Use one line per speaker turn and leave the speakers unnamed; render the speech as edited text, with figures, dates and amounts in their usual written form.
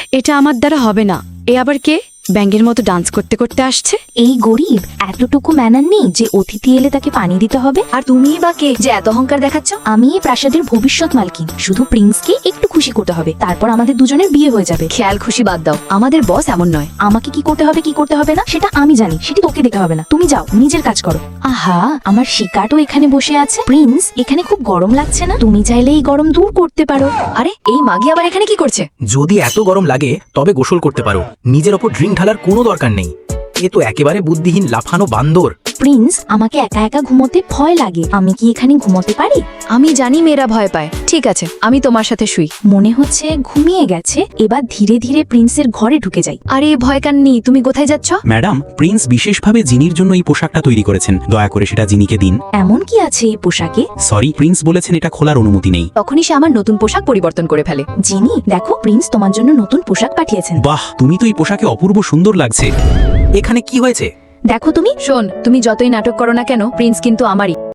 এটা আমার দ্বারা হবে না। এ আবার কে? ব্যাঙের মতো ডান্স করতে করতে আসছে।
এই গরিব এতটুকু ম্যানার নেই যে অতিথি এলে তাকে পানি দিতে হবে।
আর তুমিই বা কে যে এত অহংকার দেখাচ্ছ?
আমি এই প্রাসাদের ভবিষ্যৎ মালকিন। শুধু প্রিন্সকে একটু খুশি করতে হবে, তারপর আমাদের দুজনের বিয়ে হয়ে যাবে।
খেয়াল খুশি বাদ দাও, আমাদের বস এমন নয়।
আমাকে কি করতে হবে কি করতে হবে না সেটা আমি জানি, সেটি তোকে দেখতে হবে না। তুমি যাও, নিজের কাজ করো। আহা, আমার শিকারও এখানে বসে আছে। প্রিন্স, এখানে খুব গরম লাগছে না? তুমি চাইলে এই গরম দূর করতে পারো।
আরে এই মাগি আবার এখানে কি করছে?
যদি এত গরম লাগে তবে গোসল করতে পারো, নিজের ওপর ড্রিঙ্ক ঢালার কোনো দরকার নেই। এ তো একেবারে বুদ্ধিহীন লাফানো বান্দর।
প্রিন্স, আমাকে একা একা ঘুমোতে ভয় লাগে। আমি কি এখানে ঘুমোতে পারি?
আমি জানি মেয়েরা ভয় পায়। ঠিক আছে, আমি তোমার সাথে শুই।
মনে হচ্ছে ঘুমিয়ে গেছে। এবার ধীরে ধীরে প্রিন্সের ঘরে ঢুকে যাই।
আরে ভয় কান্নি, তুমি কোথায় যাচ্ছ?
ম্যাডাম, প্রিন্স বিশেষভাবে জিনির জন্য এই পোশাকটা তৈরি করেছেন, দয়া করে সেটা জিনিকে দিন।
এমন কি আছে এই পোশাকে?
সরি, প্রিন্স বলেছেন এটা খোলার অনুমতি নেই।
তখনই সে আমার নতুন পোশাক পরিবর্তন করে ফেলে।
জিনি, দেখো প্রিন্স তোমার জন্য নতুন পোশাক পাঠিয়েছেন।
বাহ, তুমি তো এই পোশাকে অপূর্ব সুন্দর লাগছে।
এখানে কি হয়েছে?
দেখো তুমি।
শোন, তুমি যতই নাটক করো না কেন, প্রিন্স কিন্তু আমারই।